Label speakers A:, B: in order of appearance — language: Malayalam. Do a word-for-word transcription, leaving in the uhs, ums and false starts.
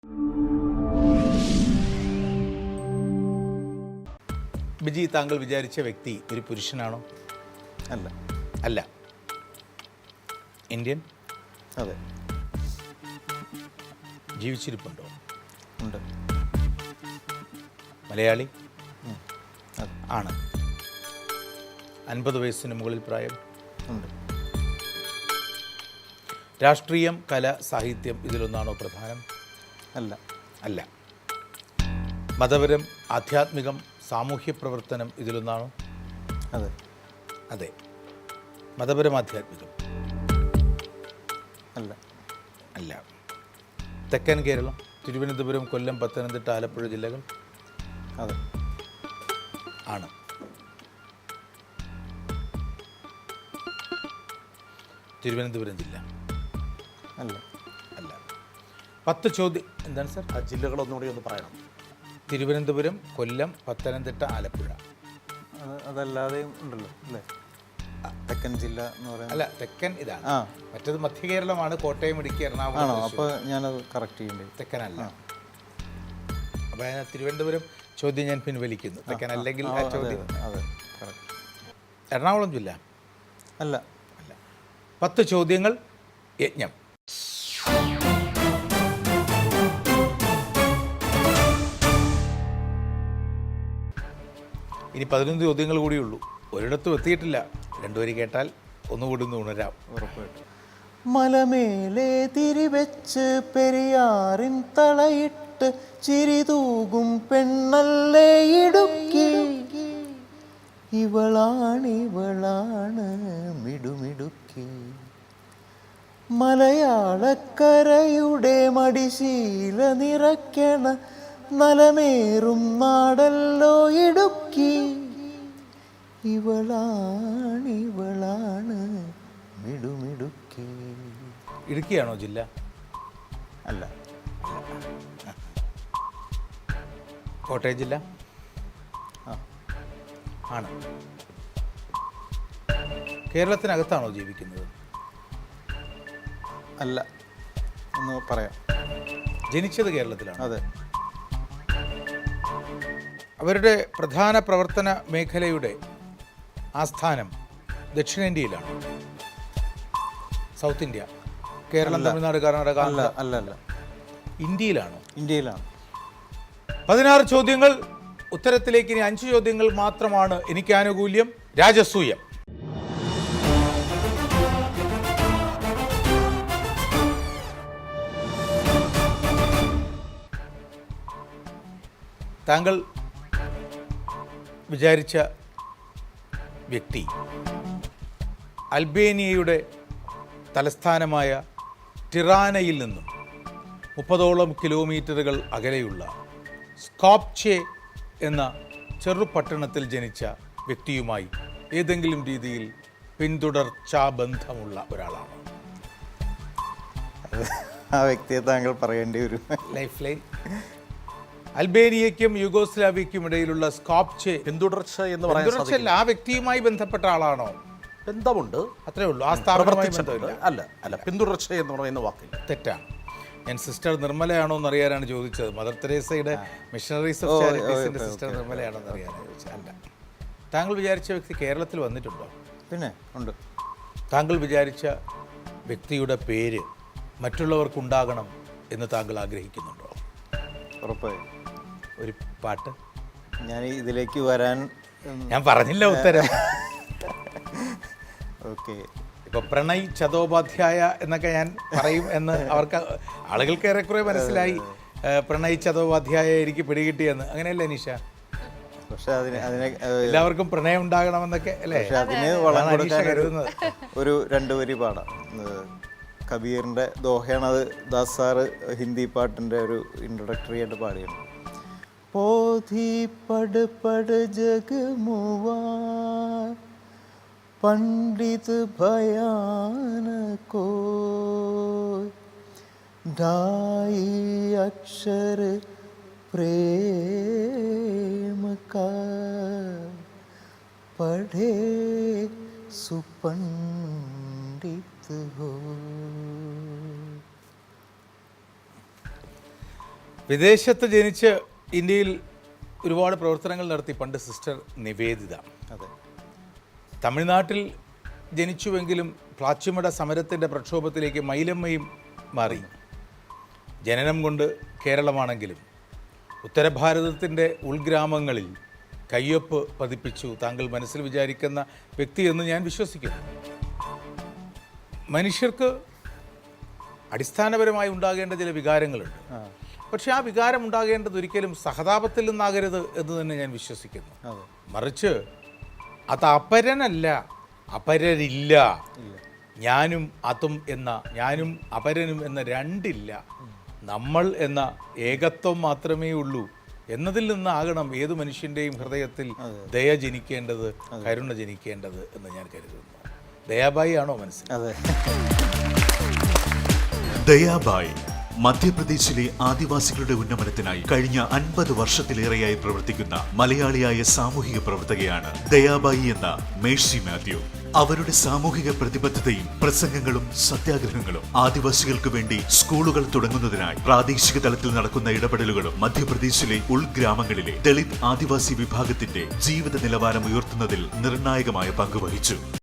A: ബിജി, താങ്കൾ വിചാരിച്ച വ്യക്തി ഒരു പുരുഷനാണോ?
B: അല്ല.
A: അല്ല. ഇന്ത്യൻ?
B: അതെ.
A: ജീവിച്ചിരിപ്പുണ്ടോ?
B: ഉണ്ട്.
A: മലയാളി?
B: അതെ.
A: ആണ്. അൻപത് വയസ്സിന് മുകളിൽ പ്രായം?
B: ഉണ്ട്.
A: രാഷ്ട്രീയം, കല, സാഹിത്യം ഇതിലൊന്നാണോ പ്രധാനം?
B: അല്ല.
A: അല്ല. മതപരം, ആധ്യാത്മികം, സാമൂഹ്യ പ്രവർത്തനം ഇതിലൊന്നാണോ?
B: അതെ.
A: അതെ. മതപരം, ആധ്യാത്മികം?
B: അല്ല.
A: അല്ല. തെക്കൻ കേരളം, തിരുവനന്തപുരം, കൊല്ലം, പത്തനംതിട്ട, ആലപ്പുഴ ജില്ലകൾ?
B: അതെ.
A: ആണ്. തിരുവനന്തപുരം ജില്ല?
B: അല്ല.
A: അല്ല. പത്ത് ചോദ്യം. എന്താണ് സാർ?
C: ആ ജില്ലകളൊന്നുകൂടി ഒന്ന് പറയണം.
A: തിരുവനന്തപുരം, കൊല്ലം, പത്തനംതിട്ട, ആലപ്പുഴ.
B: അത് അതല്ലാതെയും ഉണ്ടല്ലോ അല്ലേ? തെക്കൻ ജില്ല എന്ന് പറയുന്നത്.
A: അല്ല, തെക്കൻ ഇതാണ്.
B: ആ,
A: മറ്റേത് മധ്യ കേരളമാണ്, കോട്ടയം, ഇടുക്കി,
B: ആണോ?
A: എറണാകുളം.
B: അപ്പോൾ ഞാനത് കറക്റ്റ് ചെയ്യേണ്ടി.
A: തെക്കനല്ല. അപ്പോൾ ഞാൻ തിരുവനന്തപുരം ചോദ്യം ഞാൻ പിൻവലിക്കുന്നു. തെക്കൻ അല്ലെങ്കിൽ ആ ചോദ്യം.
B: അതെ, കറക്റ്റ്.
A: എറണാകുളം ജില്ല?
B: അല്ല.
A: അല്ല. പത്ത് ചോദ്യങ്ങൾ, യജ്ഞം. ഇനി പതിനൊന്ന് ചോദ്യങ്ങൾ കൂടിയുള്ളൂ. ഒരിടത്തും എത്തിയിട്ടില്ല. രണ്ടുപേര് കേട്ടാൽ ഒന്നുകൂടി ഒന്ന് ഉണരാം.
B: ഉറപ്പായിട്ടും. മലമേലെ തിരിവെച്ച് പെരിയാറിൻ തളയിട്ട് ചിരിതൂകും പെണ്ണല്ലേ ഇടുക്കി, ഇവളാണിവളാണ് മിടുമിടുക്കി. മലയാളക്കരയുടെ മടിശീല നിറയ്ക്കണ നലമേറും നാടല്ലോ ഇടുക്കി, ഇവളാണിവളാണ് മിടുമിടുക്കി.
A: ഇടുക്കിയാണോ ജില്ല?
B: അല്ല.
A: കോട്ടയം ജില്ല?
B: ആ,
A: ആണ്. കേരളത്തിനകത്താണോ ജീവിക്കുന്നത്?
B: അല്ല. ഒന്ന് പറയാം.
A: ജനിച്ചത് കേരളത്തിലാണ്?
B: അതെ.
A: അവരുടെ പ്രധാന പ്രവർത്തന മേഖലയുടെ ആസ്ഥാനം ദക്ഷിണേന്ത്യയിലാണ്? South India? കേരളം, തമിഴ്നാട്, കർണാടക?
B: അല്ല. അല്ല. അല്ല.
A: ഇന്ത്യയിലാണോ?
B: ഇന്ത്യയിലാണ്.
A: പതിനാറ് ചോദ്യങ്ങൾ. ഉത്തരത്തിലേക്ക് ഇനി അഞ്ച് ചോദ്യങ്ങൾ മാത്രമാണ് എനിക്ക് ആനുകൂല്യം. രാജസൂയം. താങ്കൾ വിചാരിച്ച വ്യക്തി അൽബേനിയയുടെ തലസ്ഥാനമായ ടിറാനയിൽ നിന്നും മുപ്പതോളം കിലോമീറ്ററുകൾ അകലെയുള്ള സ്കോപ്ചെ എന്ന ചെറുപട്ടണത്തിൽ ജനിച്ച വ്യക്തിയുമായി ഏതെങ്കിലും രീതിയിൽ പിന്തുടർച്ചാ ബന്ധമുള്ള ഒരാളാണ്?
B: ആ വ്യക്തിയെ താങ്കൾ പറയേണ്ടി വരും.
A: Life line. അൽബേനിയയ്ക്കും യുഗോസ്ലാവിയയ്ക്കും ഇടയിലുള്ള സ്കോപ്ചെ
C: പിന്തുടർച്ച എന്ന് പറയുന്നത്
A: ആ വ്യക്തിയുമായി ബന്ധപ്പെട്ട ആളാണോ?
C: ബന്ധമുണ്ട്,
A: അത്രേ ഉള്ളൂ. ആ സ്ഥാപനവുമായി ബന്ധമില്ല.
C: അല്ല. അല്ല. പിന്തുടർച്ച എന്ന് പറയുന്ന വാക്കില്ല.
A: തെറ്റാണ്. ഞാൻ സിസ്റ്റർ നിർമ്മലയാണോ എന്ന് അറിയാനാണ് ചോദിച്ചത്. മദർ തെരേസയുടെ മിഷണറീസ് ഓഫ് ചാരിറ്റീസിന്റെ സിസ്റ്റർ നിർമ്മലയാണോ എന്ന് അറിയാനാണ് ചോദിച്ചത്. അല്ല. താങ്കൾ വിചാരിച്ച വ്യക്തി കേരളത്തിൽ വന്നിട്ടുണ്ടോ?
B: പിന്നെ ഉണ്ട്.
A: താങ്കൾ വിചാരിച്ച വ്യക്തിയുടെ പേര് മറ്റുള്ളവർക്കുണ്ടാകണം എന്ന് താങ്കൾ ആഗ്രഹിക്കുന്നുണ്ടോ?
B: ഉറപ്പായും.
A: ഒരു പാട്ട്.
B: ഞാൻ ഇതിലേക്ക് വരാൻ
A: ഞാൻ പറഞ്ഞില്ല ഉത്തരം.
B: ഓക്കെ.
A: ഇപ്പൊ പ്രണയ് ചതോപാധ്യായ എന്നൊക്കെ ഞാൻ പറയും എന്ന് അവർക്ക് ആളുകൾക്ക് ഏറെക്കുറെ മനസ്സിലായി. പ്രണയ് ചതോപാധ്യായ എനിക്ക് പിടികിട്ടിയെന്ന്. അങ്ങനെയല്ലേ നിഷ?
B: പക്ഷെ അതിന് അതിനെ
A: എല്ലാവർക്കും പ്രണയം ഉണ്ടാകണമെന്നൊക്കെ അല്ലേ?
B: പക്ഷെ അതിന് വളം കൊടുക്കാൻ
A: കരുതുന്നത്.
B: ഒരു രണ്ടു വരി പാടാം. കബീറിൻ്റെ ദോഹയാണ് അത്. ദാസ് സാറ് ഹിന്ദി പാട്ടിൻ്റെ ഒരു ഇൻട്രൊഡക്ടറി ആയിട്ട് പാടിയാണ്. പോധി പട് പട് ജഗമുവാ पंडित भयान को ढाई अक्षर प्रेम का पढ़े सुपंडित हो.
A: വിദേശത്ത് ജനിച്ച് ഇന്ത്യയിൽ ഒരുപാട് പ്രവർത്തനങ്ങൾ നടത്തി പണ്ട് സിസ്റ്റർ നിവേദിത.
B: അതെ.
A: തമിഴ്നാട്ടിൽ ജനിച്ചുവെങ്കിലും പ്ലാച്ചിമട സമരത്തിൻ്റെ പ്രക്ഷോഭത്തിലേക്ക് മൈലമ്മയും മാറി. ജനനം കൊണ്ട് കേരളമാണെങ്കിലും ഉത്തരഭാരതത്തിൻ്റെ ഉൾഗ്രാമങ്ങളിൽ കയ്യൊപ്പ് പതിപ്പിച്ചു താങ്കൾ മനസ്സിൽ വിചാരിക്കുന്ന വ്യക്തി എന്ന് ഞാൻ വിശ്വസിക്കുന്നു. മനുഷ്യർക്ക് അടിസ്ഥാനപരമായി ഉണ്ടാകേണ്ട ചില വികാരങ്ങളുണ്ട്. പക്ഷേ ആ വികാരം ഉണ്ടാകേണ്ടത് ഒരിക്കലും സഹതാപത്തിൽ നിന്നാകരുത് എന്ന് തന്നെ ഞാൻ വിശ്വസിക്കുന്നു. മറിച്ച് അത് അപരനല്ല, അപരരില്ല. ഞാനും അതും എന്ന, ഞാനും അപരനും എന്ന രണ്ടില്ല, നമ്മൾ എന്ന ഏകത്വം മാത്രമേ ഉള്ളൂ എന്നതിൽ നിന്നാകണം ഏത് മനുഷ്യൻ്റെയും ഹൃദയത്തിൽ ദയ ജനിക്കേണ്ടത്, കരുണ ജനിക്കേണ്ടത് എന്ന് ഞാൻ കരുതുന്നു. ദയാബായി ആണോ മനസ്സിൽ?
B: അതെ.
D: ദയാബായി മധ്യപ്രദേശിലെ ആദിവാസികളുടെ ഉന്നമനത്തിനായി കഴിഞ്ഞ അൻപത് വർഷത്തിലേറെയായി പ്രവർത്തിക്കുന്ന മലയാളിയായ സാമൂഹിക പ്രവർത്തകയാണ് ദയാബായി എന്ന മേഴ്സി മാത്യു. അവരുടെ സാമൂഹിക പ്രതിബദ്ധതയും പ്രസംഗങ്ങളും സത്യാഗ്രഹങ്ങളും ആദിവാസികൾക്ക് വേണ്ടി സ്കൂളുകൾ തുടങ്ങുന്നതിനായി പ്രാദേശിക തലത്തിൽ നടക്കുന്ന ഇടപെടലുകളും മധ്യപ്രദേശിലെ ഉൾഗ്രാമങ്ങളിലെ ദളിത് ആദിവാസി വിഭാഗത്തിന്റെ ജീവിത നിലവാരം ഉയർത്തുന്നതിൽ നിർണായകമായ പങ്കുവഹിച്ചു.